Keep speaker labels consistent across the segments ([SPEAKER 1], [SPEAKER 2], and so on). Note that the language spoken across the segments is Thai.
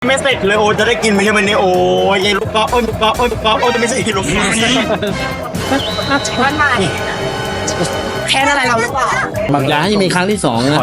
[SPEAKER 1] ไม่เสร็จเลยโอจะได้กินไหมเนี่ยวันนี้โอ้ยยายลูกกอล์ฟลูกกอล์ฟลูกกอล์ฟโอจะไม่ใช่ลูกกอล์ฟ
[SPEAKER 2] บ้านใหม่แค่อะไรเราหรือเปล่า
[SPEAKER 3] บางอย่างยังมีครั้งที่สองนะ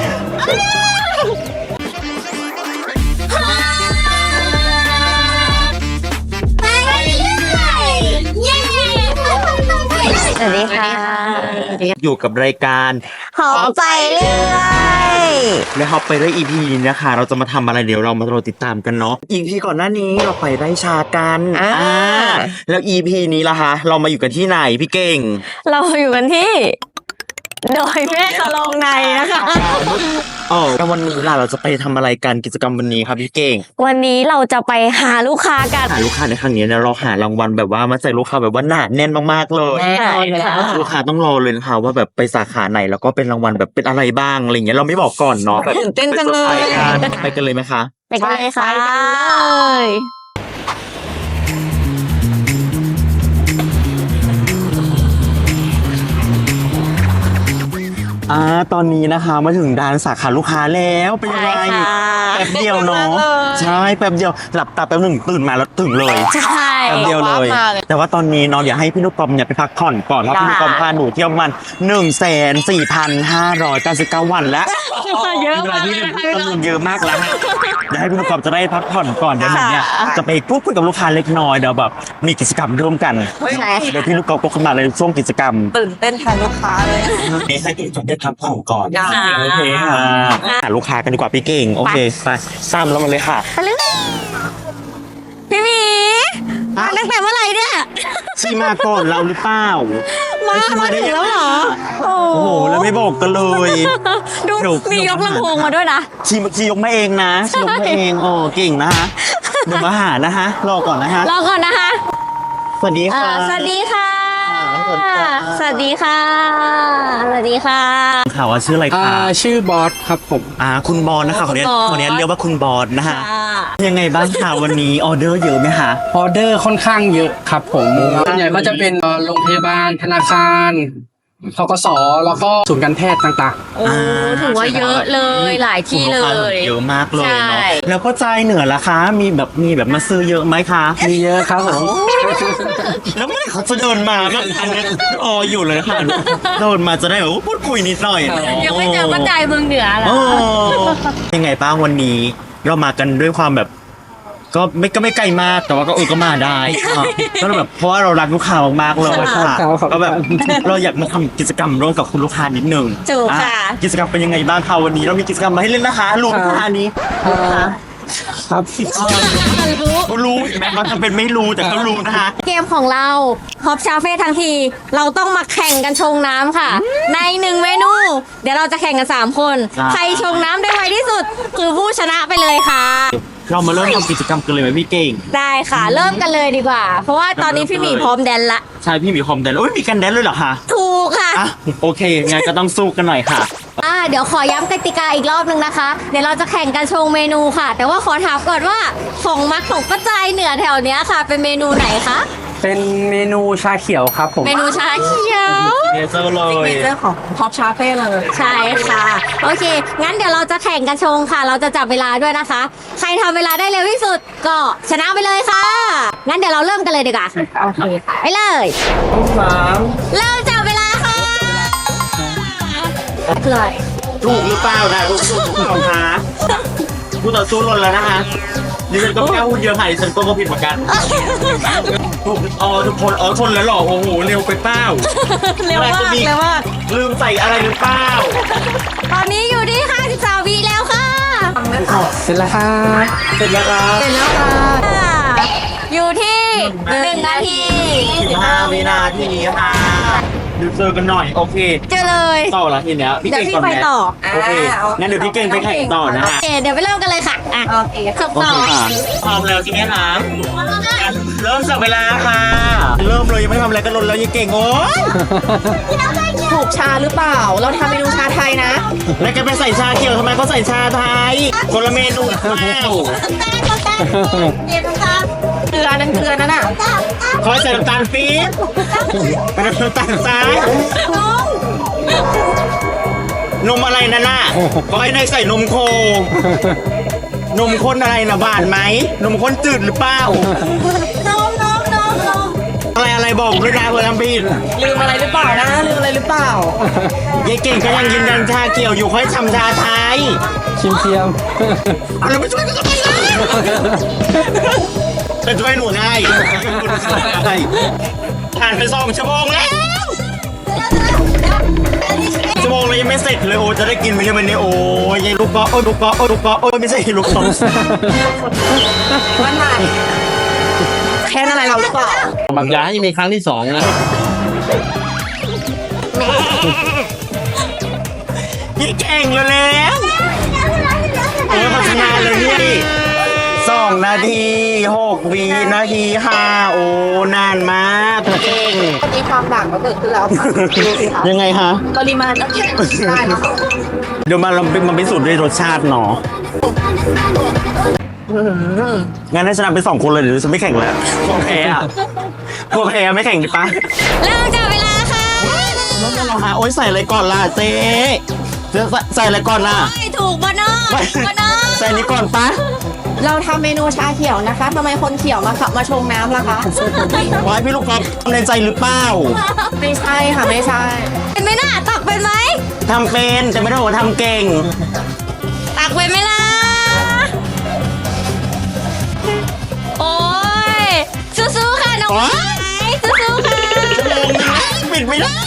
[SPEAKER 2] สวัสดีค่ะ
[SPEAKER 1] อยู่กับรายการ
[SPEAKER 2] หอมไปเรื่อย
[SPEAKER 1] และฮอปไปได้ EP นี้นะคะ เราจะมาทำอะไรเดี๋ยวเรามารอติดตามกันเนาะ EP ก่อนหน้านี้เราไปไร่ชากันแล้ว EP นี้ล่ะคะเรามาอยู่กันที่ไหนพี่เก่ง
[SPEAKER 2] เราอยู่กันที่ดอยแม่สลองในนะคะ
[SPEAKER 1] อ๋อแล้ววันนี้ล่ะเราจะไปทำอะไรกันกิจกรรมวันนี้ครับพี่เก่ง
[SPEAKER 2] วันนี้เราจะไปหาลูกค้ากัน
[SPEAKER 1] หาลูกค้าในครั้งนี้เนี่ยเราหารางวัลแบบว่ามาใส่ลูกค้าแบบว่าหนาแน่นมากๆเลย
[SPEAKER 2] แน่นอนอยู่แล้ว
[SPEAKER 1] ลูกค้าต้องรอเลยนะคะว่าแบบไปสาขาไหนแล้วก็เป็นรางวัลแบบเป็นอะไรบ้างอะไรเงี้ยเราไม่บอกก่อนเนาะแบบ
[SPEAKER 2] ตื่นเต้นจังเลย
[SPEAKER 1] ไปกันเลยไหมคะ
[SPEAKER 2] ไปกันเลยค่ะ
[SPEAKER 1] ตอนนี้นะคะมาถึงด้านสาขาลูกค้าแล้วเป็นยังไง
[SPEAKER 2] ใช่ค่ะ
[SPEAKER 1] แป๊บเดียวเนาะใช่แป๊บเดียวหลับตาแป๊บหนึ่งตื่นมาแล้วถึงเลย
[SPEAKER 2] ใช่
[SPEAKER 1] แป๊บเดียวเลย แต่ว่าตอนนี้เนาะเดี๋ยวให้พี่นุกกอมเนี่ยไปพักผ่อนก่อนเพราะพี่นุกกอมพาหนูเที่ยวมัน1,4,599 วันแล้ว
[SPEAKER 2] เยอะ
[SPEAKER 1] เว
[SPEAKER 2] มา
[SPEAKER 1] ลาก ที่
[SPEAKER 2] เลย
[SPEAKER 1] จำนวนเยอะมากแล้วนะเดี๋ยวให้พี่นุกกอมจะได้พักผ่อนก่อนเดี๋ยวหนูเนี่ยจะไปพูดคุยกับลูกค้าเล็กน้อยเดี๋ยวแบบมีกิจกรรมร่วมกัน
[SPEAKER 2] ใช่
[SPEAKER 1] เดี๋ยวพี่นุกกอมก็ขึ้นมาในช่วงกิจกรรม
[SPEAKER 4] ตื่นเต้นแทนลูกค้าเลย
[SPEAKER 1] นี่ให้พี่นุกกอมได้พักผ่อนก่อน
[SPEAKER 4] ได้
[SPEAKER 1] โอเคค่ะหาลูกค้ากันดีกว่าพี่เก่งโอเคไปซ้ำแล้วมาเลยค่ะ
[SPEAKER 2] พี่หมีมาตั้งแต่เมื่อไหร่เนี่ย
[SPEAKER 1] ชีมาก่อนเราหรือเปล่า
[SPEAKER 2] มาถึงแล้วเหรอ โอ้
[SPEAKER 1] โอ้โหแล้วไม่บอกกันเลย
[SPEAKER 2] ดู
[SPEAKER 1] เดี๋ยว
[SPEAKER 2] มียกลำโพงมาด้วยนะ
[SPEAKER 1] ชียกมาเองนะชียกมาเองโอ้เก่งนะฮะเดี๋ยวมาหานะฮะรอก่อนนะฮะ
[SPEAKER 2] รอก่อนนะคะ
[SPEAKER 1] สวัสดีค่ะ
[SPEAKER 2] สวัสดีค่ะ
[SPEAKER 1] สวัสดีค่ะ
[SPEAKER 2] สวัสดีค่ะ สวัสดีค่ะ
[SPEAKER 1] ข่าวว่าชื่ออะไรคะ
[SPEAKER 3] ชื่อบอสครับผม
[SPEAKER 1] คุณบอลนะคะขอเนี้ย
[SPEAKER 2] คุณบอล
[SPEAKER 1] ขอเนี้ยเรียกว่าคุณบอลนะฮะยังไงบ้างคะวันนี้ออเดอร์เยอะไหมคะ
[SPEAKER 3] ออเดอร์ค่อนข้างเยอะครับผมส่วนใหญ่ก็จะเป็นโรงพยาบาลธนาคารธกสแล้วก็ศูนย์การแพทย์ต่าง
[SPEAKER 2] โอ้ถือว่าเยอะเลยหลายที่เลย
[SPEAKER 1] เยอะมากเลยเนาะ
[SPEAKER 2] ใช่
[SPEAKER 1] แล้วก็ใจเหนือล่ะคะมีแบบมาซื้อเยอะไหมคะ
[SPEAKER 3] ๆ มีเยอะครับผม
[SPEAKER 1] แล้วเมื่อไหร่เขาจะเดินมาแบบอันนี้อยู่เลยค่ะเดินมาจะได้แบบว่าพูดคุยนิดหน่อยเนาะ
[SPEAKER 2] ยังไม่เจอป้าใจเมืองเหนือเหรอ
[SPEAKER 1] โอ้ยังไงบ้างวันนี้เรามากันด้วยความแบบ ก็ไม่ไกลมากแต่ว่าก็มาได้ก็แบบเพราะว่าเรารักลูกค้ามากๆเลยค่ะก็แบบเราอยากมาทำกิจกรรมร่วมกับคุณลูกค้านิดนึง
[SPEAKER 2] ถูกค่ะ
[SPEAKER 1] กิจกรรมเป็นยังไงบ้างคะวันนี้เรามีกิจกรรมมาให้เล่นนะคะลูกค้านี้
[SPEAKER 3] ครับ
[SPEAKER 1] รู้เห็นไหมบางคนเป็นไม่รู้แต่ก็รู้นะคะ
[SPEAKER 2] เกมของเราฮอปชาเฟ่ทั้งที เราต้องมาแข่งกันชงน้ำค่ะ ใน1เมนู เดี๋ยวเราจะแข่งกัน 3 คน ใครชงน้ำได้ไวที่สุด คือผู้ชนะไปเลยค่ะ
[SPEAKER 1] เรามาเริ่มทำกิจกรรมกันเลยไหมพี่เก่ง
[SPEAKER 2] ได้ค่ะ เริ่มกันเลยดีกว่า เพราะว่าตอนนี้พี่หมีพร้อมแดนละ
[SPEAKER 1] ใช่พี่มีคอมแดนโอ้ยมีกันแดนเลยเหรอคะ
[SPEAKER 2] ถูกค่ะ
[SPEAKER 1] อ่ะโอเคงั้นก็ต้องสู้กันหน่อยค่ะ
[SPEAKER 2] เดี๋ยวขอย้ำกติกาอีกรอบนึงนะคะ เดี๋ยวเราจะแข่งกันชงเมนูค่ะ แต่ว่าขอถามก่อนว่าของมักของป้าใจเหนือแถวเนี้ยค่ะ เป็นเมนูไหนคะ
[SPEAKER 3] เป็นเมนูชาเขียวครับผม
[SPEAKER 2] เมนูชาเขียว
[SPEAKER 1] เนเจอร์เลย
[SPEAKER 4] เรื่องของท็อปชาเฟ่เลย
[SPEAKER 2] ใช่ค่ะ โอเค งั้นเดี๋ยวเราจะแข่งกันชงค่ะ เราจะจับเวลาด้วยนะคะ ใครทำเวลาได้เร็วที่สุดก็ชนะไปเลยค่ะ งั้นเดี๋ยวเราเริ่มกันเลยดีกว่าค่ะ
[SPEAKER 4] โอเคค่ะ
[SPEAKER 2] ไปเลย เริ่มจับเวลาค่ะเลย
[SPEAKER 1] ถูกหรือเปล่านะถูกหรือเปล่าคะผู้ต่อสู้หล่นแล้วนะคะดิฉันก็ไม่กล้าพูดเยอะค่ะดิฉันก็ผิดเหมือนกันถูกทุกคนชนแล้วหรอโอ้โหเร็วไปเปล่า
[SPEAKER 2] เร็วมากเร็วมาก
[SPEAKER 1] ลืมใส่อะไรหรือเปล่า
[SPEAKER 2] ตอนนี้อยู่ที่53วิแล้วค่ะ
[SPEAKER 3] เสร็จแล้วครับ
[SPEAKER 1] เสร็จแล้วครับ
[SPEAKER 2] เสร็จแล้วค่ะ อยู่ที่1นาที
[SPEAKER 1] 15 วินาทีค่ะดูเจอกันหน่อยโอเค
[SPEAKER 2] เจอเลย
[SPEAKER 1] ต่อละทีเนี้ยพี่
[SPEAKER 2] เดี๋ยว
[SPEAKER 1] เก่ง
[SPEAKER 2] พี่
[SPEAKER 1] ก่อน
[SPEAKER 2] ไป
[SPEAKER 1] ไหม
[SPEAKER 2] ต่อ
[SPEAKER 1] โอเคงั้นเดี๋ยวพี่เก่งไปแข่งต่อนะ
[SPEAKER 2] โอ
[SPEAKER 1] ฮะ
[SPEAKER 2] เค เดี๋ยวไปเริ่มกันเลยค่ะ อ่ะ
[SPEAKER 4] โอเค
[SPEAKER 2] ขับ
[SPEAKER 1] โอ
[SPEAKER 2] ต่อ
[SPEAKER 1] เคค่ะพร้อมแล้วทีนี้นะเริ่มจับเวลาค่ะ เริ่มเลยยังไม่ทำอะไรกันลนแล้วยังเก่งโอ้ย
[SPEAKER 4] ถูกชาหรือเปล่า เราทำเมนูชาไทยนะ
[SPEAKER 1] แล้วแกไปใส่ชาเขียวทำไมเขาใส่ชาไทยคนละเมนูเปล่า
[SPEAKER 2] เดี๋ยวค่ะ
[SPEAKER 4] เกลือนั่นเกลือนั่นน่ะ
[SPEAKER 1] เขาใส่น้ำตาลปี๊บเป็นน้ำตาลทรายนมอะไรนั่นน่ะเขาให้เนยใส่นมโคนมข้นอะไรนะหวานไหมนมข้นจืดหรือเปล่า
[SPEAKER 2] น้อง
[SPEAKER 1] อะไรบอกด้วยนะเพื่อนทำผิด
[SPEAKER 4] ลืมอะไรหรือเปล่านะลืมอะไรหรือเปล่าย
[SPEAKER 1] ายเก่งก็ยังยืนยันชาเขียวอยู่ค่อยทำชาไทย
[SPEAKER 3] ชิมเทียม
[SPEAKER 1] อะไรไม่ช่วยก็ทำไมล่ะจะช่วยหนูให้ผ่านไป2 ชั่วโมงแล้วชั่วโมงเลยยังไม่เสร็จเลยโอ้จะได้กินไหมเนี่ยวันนี้โอ้ยยายลูกกอโอ้ยลูกกอโอ้ยลูกกอโอ้ยไม่ใช่ลูกกอ
[SPEAKER 4] วันใหม่แค่อะไรเราหรือเปล่า
[SPEAKER 3] บางอย่างยังมีครั้งที่2นะ
[SPEAKER 1] ยี่เก่งแล้วพัฒนาเลยเนี่ย2 นาที 6 วินาที 5 โอ้นานมากเก่ง
[SPEAKER 4] มีความด่างก็เกิดขึ้นแล้วค่ะดูสิคะ
[SPEAKER 1] ยังไงคะ
[SPEAKER 4] ปริมาณแล้วแค่ได้นะคะ
[SPEAKER 1] เดี๋ยวมาพิสูจน์ด้วยรสชาติเนาะงั้นให้ชนะไป2 คนเลยเดี๋ยวฉันไม่แข่งแล้วกลัวแพ้อะกลัวแพ้ไม่แข่งดิปะ
[SPEAKER 2] เริ่มจับเวลาค่ะ
[SPEAKER 1] โอ๊ยใส่อะไรก่อนล่ะเจ๊ใส่อะไรก่อนล่ะ
[SPEAKER 2] ไม่ถูกบอนอบอนอ
[SPEAKER 1] ใส่นี้ก่อนปะ
[SPEAKER 4] เราทำเมนูชาเขียวนะคะทำไมคนเขียวมาขับมาชงน้ำล่ะคะ
[SPEAKER 1] ไว้พี่ลูกกอล์ฟทำในใจหรือเปล่า
[SPEAKER 4] ไม่ใช่ค่ะไม่ใช่
[SPEAKER 2] เป็นไหมน่ะตักเป็นไหม
[SPEAKER 1] ทำเป็นแต่ไม่ได้บอกว่าทำเก่ง
[SPEAKER 2] ตักเป็นไหมล่ะโอ้ยสู้ๆค่ะน้อง
[SPEAKER 1] โอ๊ย
[SPEAKER 2] ไม้สู้ๆค่ะ
[SPEAKER 1] ปิดไม่ได้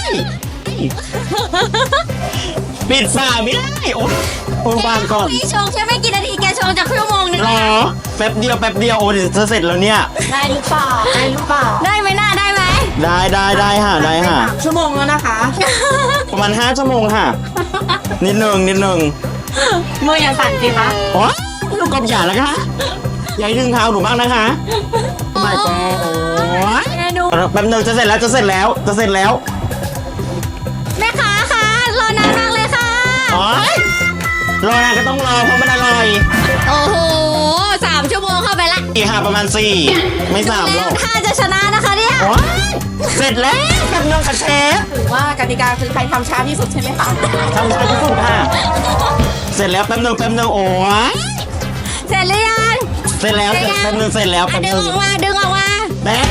[SPEAKER 1] ปิดฝาไม่ได้ โอ๊ยวางก่อน
[SPEAKER 2] พี่ชงแค่ไม่กี่นาทีแกชงจากชั่วโมงนึง
[SPEAKER 1] รอแป๊บเดียวโอ้เดี๋ยวจะเสร็จแล้วเนี่ย
[SPEAKER 4] ได้หรือเปล่าได้หรือเปล่า
[SPEAKER 2] ได้ไหมน่าได้ไหม
[SPEAKER 1] ได้ค่ะ
[SPEAKER 4] 3 ชั่วโมงแล้วนะคะ
[SPEAKER 1] ประมาณ5 ชั่วโมงค่ะ นิดนึง
[SPEAKER 4] มืออย่าสั่นสิคะ
[SPEAKER 1] โอ๊ยลูกกอล์ฟอย่าแล้วค่ะอย่าให้ดึงเท้าหนูบ้างนะคะไม่ก็โอ๊ย
[SPEAKER 2] เมนู
[SPEAKER 1] แป๊บนึงจะเสร็จแล้ว
[SPEAKER 2] แม่ค้าค่ะรอนานมากเลยค่ะ
[SPEAKER 1] โอ๊ยรอนานก็ต้องรอเพราะมันอร่อย
[SPEAKER 2] โอ้โห3 ชั่วโมงเข้าไปละ
[SPEAKER 1] อีกค่ะประมาณ4ไม่3หรอก
[SPEAKER 2] ถ้าจะชนะนะคะเนี่ย
[SPEAKER 1] โอ๊ยเสร็จแล้วแป๊บนึงค่ะเชฟ
[SPEAKER 4] ถือว่ากติกาคือใครทำช้าที่สุดใช่ไหมคะ
[SPEAKER 1] ทำช้าที่สุดค่ะ เสร็จแล้วแป๊บนึงโอ้ย
[SPEAKER 2] เสร็จหรือยัง
[SPEAKER 1] เสร็จแล้วแป๊บนึงเสร็จแล้ว
[SPEAKER 2] อ่ะ
[SPEAKER 1] แป๊บ
[SPEAKER 2] ดึ
[SPEAKER 1] นึ
[SPEAKER 2] ง
[SPEAKER 1] ง
[SPEAKER 2] ออกมาดึงออกมา
[SPEAKER 1] แป๊บ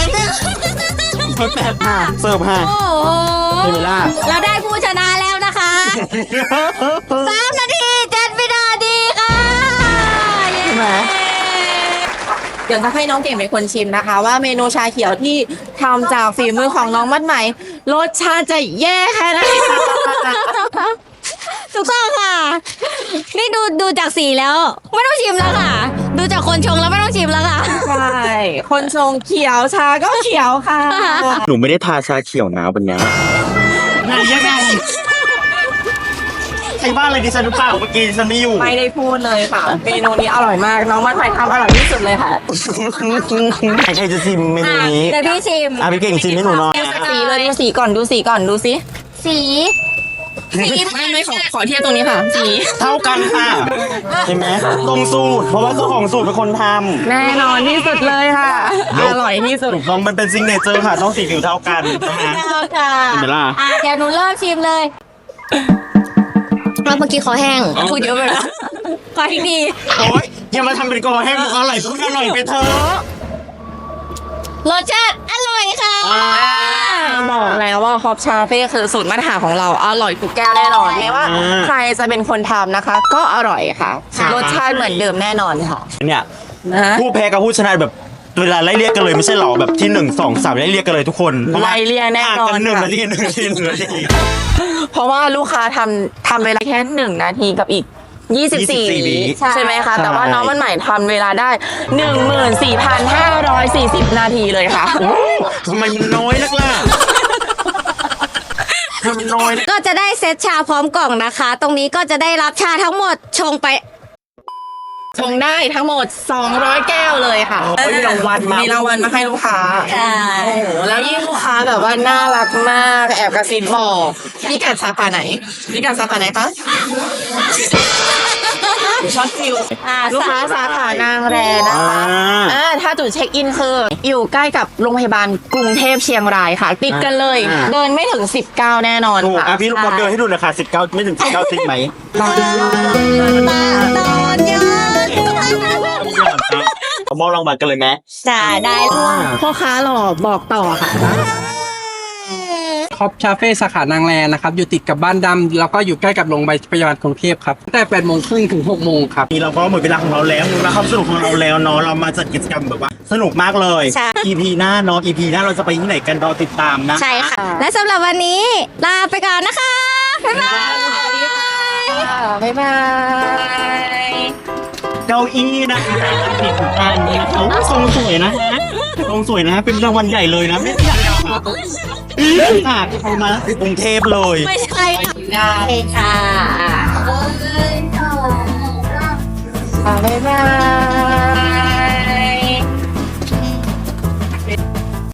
[SPEAKER 1] ค่ะเสิร์ฟค่ะ
[SPEAKER 2] โอ้โห
[SPEAKER 1] ได้เวลา
[SPEAKER 2] เราได้ผู้ชนะแล้วนะคะ3 นาที 7 วินาทีค่ะเย้
[SPEAKER 1] ใช่ไหม
[SPEAKER 4] เดี๋ยวจะให้น้องเก่งเป็นคนชิมนะคะ ว่าเมนูชาเขียวที่ทำจากฝีมือของน้องมัดไหมรสชาติจะแย่แค่ไหนคะ
[SPEAKER 2] ถูกต้องค่ะ นี่ดูจากสีแล้ว ไม่ต้องชิมแล้วค่ะ ดูจากคนชงแล้วไม่ต้องชิมแล้วค่ะ
[SPEAKER 4] ใช่คนชงเขียวชาก็เขียวค่ะ
[SPEAKER 1] หนูไม่ได้ทาชาเขียวนะวันนี้ยังไงใครบ้าอะไรดิฉันหรือเปล่าเมื่อกี้ดิฉันไม่อยู่
[SPEAKER 4] ไม่ได้พูดเลยค่ะ เมนูนี้อร่อยมาก น้องมัดไหมทำอร่อยที่สุดเลยค่ะ
[SPEAKER 1] ใครจะชิมเมนูนี้
[SPEAKER 2] เดี๋ยวพี่ชิม
[SPEAKER 1] พี่เก่งชิมให้หนูหน่อย
[SPEAKER 4] สีเลยดูสีก่อนดูสี
[SPEAKER 2] สี
[SPEAKER 4] ไม่ขอเทียบตรงนี้ค่ะ สี
[SPEAKER 1] เท่ากันค่ะเห็นไหมตรงสูตร เพราะว่าเจ้าของสูตรเป็นคนท
[SPEAKER 4] แน่นอนที่สุดเลยค่ะ อร่อยที่สุด
[SPEAKER 1] ำต้องมันเป็นซิงเนเจอร์ค่ะ ต้องสีผิวเท่ากันนะ
[SPEAKER 2] เอาค่ะ
[SPEAKER 1] เห็นไหมล่ะ
[SPEAKER 2] เดี๋ยวหนูเริ่มชิมเลยเมื่อกี้ขอแห้งพูดเยอะไปแล้วขออีกที
[SPEAKER 1] โอ๊ยอย่ามาทำเป็นกอให้มันอร่อยพูดอร่อยไปเถอะ
[SPEAKER 2] รสชาติอร่อยค่ะ
[SPEAKER 4] บอกแล้วว่าฮอปชาเฟ่คือสูตรมาตรฐานของเราอร่อยทุกแก้วแน่นอนไม่ว่า ใครจะเป็นคนทำนะคะ ก็อร่อยค่ะ รสชาติเหมือนเดิมแน่นอนค่ะ
[SPEAKER 1] เนี่ย
[SPEAKER 4] นะ
[SPEAKER 1] ผู้แพ้กับผู้ชนะแบบเวลาไล่เรียกกันเลยไม่ใช่หรอแบบที่1 2 3ไล่เรียกกันเลยทุกคนพราะว่า
[SPEAKER 4] ไล่เรียกแน่นอน
[SPEAKER 1] ห่างกั1
[SPEAKER 4] ค่ะ
[SPEAKER 1] นาที1 นาที1 นาที
[SPEAKER 4] เพราะว่าลูกค้าทำเวลาแค่1 นาทีกับอีก 24 วิใช่ไหมคะ แต่ว่าน้องมันใหม่ทำเวลาได้ 14,540 นาทีเลยค่ะ
[SPEAKER 1] โอ้ทำไมมันน้อยนักล่ะทำไมมันน้อยนะ
[SPEAKER 2] ก็จะได้เซตชาพร้อมกล่องนะคะ ตรงนี้ก็จะได้รับชาทั้งหมดชงไป
[SPEAKER 4] ชงได้ทั้งหมด 200 แก้วเลยค่ะ
[SPEAKER 1] มีรางวัลมา
[SPEAKER 4] มีรางวัลมาให้ลูกค้า
[SPEAKER 2] ใช่
[SPEAKER 4] โอ้โหแล้วยิ่งลูกค้าแบบว่าน่ารักมากแอบกระซิบบอกพี่กัดสาขาไหนพี่กัดสาขาไหนคะช็อตฟิวลูกค้าสาขานางแรนะคะถ้าจุดเช็คอินคืออยู่ใกล้กับโรงพยาบาลกรุงเทพเชียงรายค่ะ ติดกันเลย เดินไม่ถึง 19 แน่นอน
[SPEAKER 1] ถูก
[SPEAKER 4] ค่ะ
[SPEAKER 1] พี่ลูกบอลเดินให้ดูหน่อยค่ะ19ไม่ถึง19จริงไหม
[SPEAKER 2] ตอนย้อน
[SPEAKER 1] เอามอบรางวัลกันเลยไหม
[SPEAKER 2] จ้าได้
[SPEAKER 4] พ่อค้าหล่อบอกต่อค่ะ
[SPEAKER 3] คอปคาเฟ่สาขานางแรนะครับอยู่ติดกับบ้านดำแล้วก็อยู่ใกล้กับโรงพยาบาลกรุงเทพครับตั้งแต่8 โมงครึ่งถึง 6 โมงครับ
[SPEAKER 1] นี่เราก็หมดเวลาของเราแล้วหมดเวลาความสนุกของเราแล้วเนาะเรามาจัดกิจกรรมแบบว่าสนุกมากเลย EP หน้าเนาะ EP หน้าเราจะไปที่ไหนกันรอติดตามนะ
[SPEAKER 2] ใช่ค่ะ และสำหรับวันนี้ลาไปก่อนนะคะ บ๊ายบาย
[SPEAKER 4] บ๊ายบาย
[SPEAKER 1] เก้าอี้นะติดอันนี้เขาทรงสวยนะฮะทรงสวยนะเป็นรางวัลใหญ่เลยนะไม่อยากค่ะเอามากรุงเทพเลย
[SPEAKER 2] ไม่ใช่ค่ะได้ค่ะ
[SPEAKER 4] บ๊ายบาย